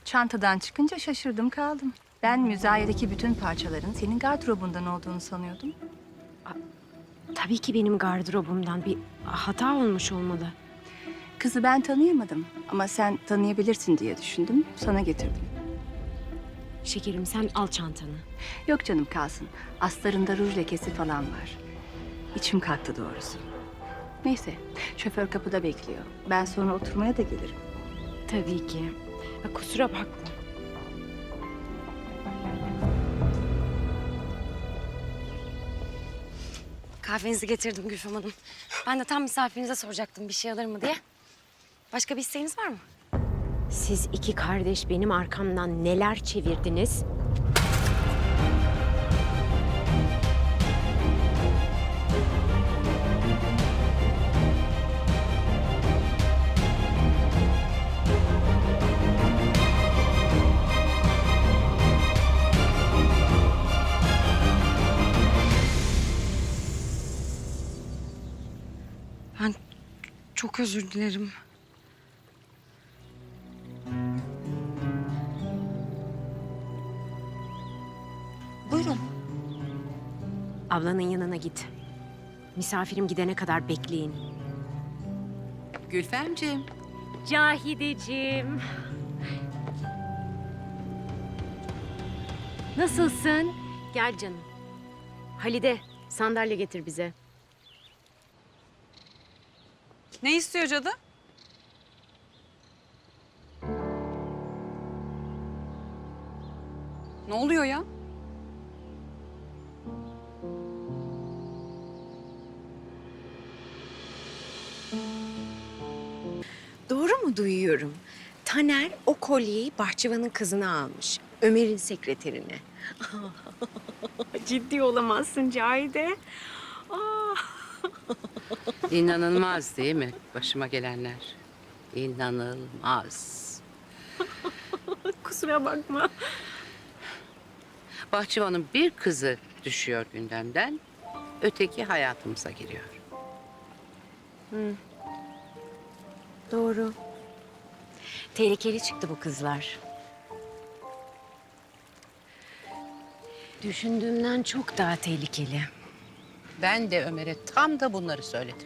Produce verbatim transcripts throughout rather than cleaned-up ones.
Çantadan çıkınca şaşırdım kaldım. Ben müzayedeki bütün parçaların senin gardırobundan olduğunu sanıyordum. Tabii ki benim gardırobumdan bir hata olmuş olmalı. Kızı ben tanıyamadım ama sen tanıyabilirsin diye düşündüm. Sana getirdim. Şekerim sen al çantanı. Yok canım kalsın. Astarında ruj lekesi falan var. İçim kalktı doğrusu. Neyse, şoför kapıda bekliyor. Ben sonra oturmaya da gelirim. Tabii ki. Ha, kusura bakma. Kahvenizi getirdim Gülfem Hanım. Ben de tam misafirinize soracaktım bir şey alır mı diye. Başka bir isteğiniz var mı? Siz iki kardeş benim arkamdan neler çevirdiniz? Ben çok özür dilerim. Buyurun. Ablanın yanına git. Misafirim gidene kadar bekleyin. Gülfemciğim. Cahideciğim. Nasılsın? Gel canım. Halide, sandalye getir bize. Ne istiyor cadı? Ne oluyor ya? Doğru mu duyuyorum? Taner o kolyeyi bahçıvanın kızına almış. Ömer'in sekreterine. Ciddi olamazsın Cahide. Aa. İnanılmaz değil mi başıma gelenler? İnanılmaz. Kusura bakma. Bahçıvanın bir kızı düşüyor gündemden, öteki hayatımıza giriyor. Doğru. Tehlikeli çıktı bu kızlar. Düşündüğümden çok daha tehlikeli. Ben de Ömer'e tam da bunları söyledim.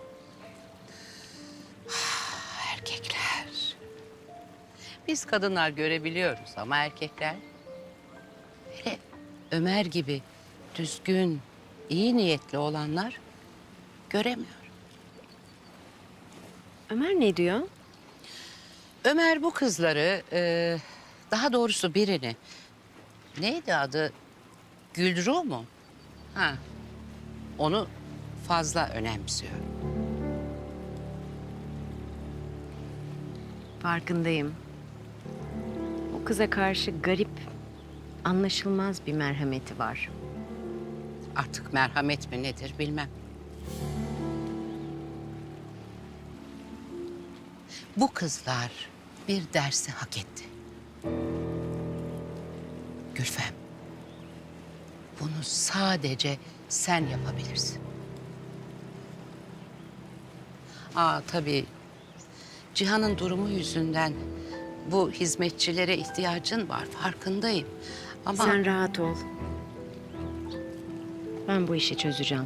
Ah, erkekler. Biz kadınlar görebiliyoruz ama erkekler... Hele Ömer gibi düzgün, iyi niyetli olanlar göremiyor. Ömer ne diyor? Ömer bu kızları, e, daha doğrusu birini... Neydi adı? Gülru mu? Ha, onu fazla önemsiyor. Farkındayım. O kıza karşı garip, anlaşılmaz bir merhameti var. Artık merhamet mi nedir bilmem. Bu kızlar bir dersi hak etti. Gülfem, bunu sadece sen yapabilirsin. Aa tabii, Cihan'ın durumu yüzünden bu hizmetçilere ihtiyacın var, farkındayım. Ama Sen rahat ol. Ben bu işi çözeceğim.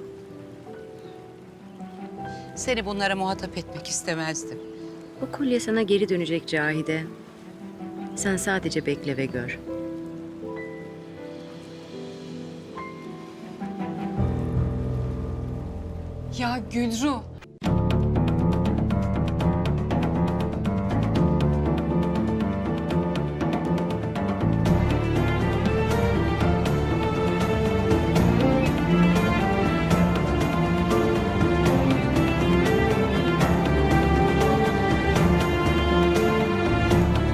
seni bunlara muhatap etmek istemezdim. O kolye sana geri dönecek Cahide. Sen sadece bekle ve gör. Ya Gülru,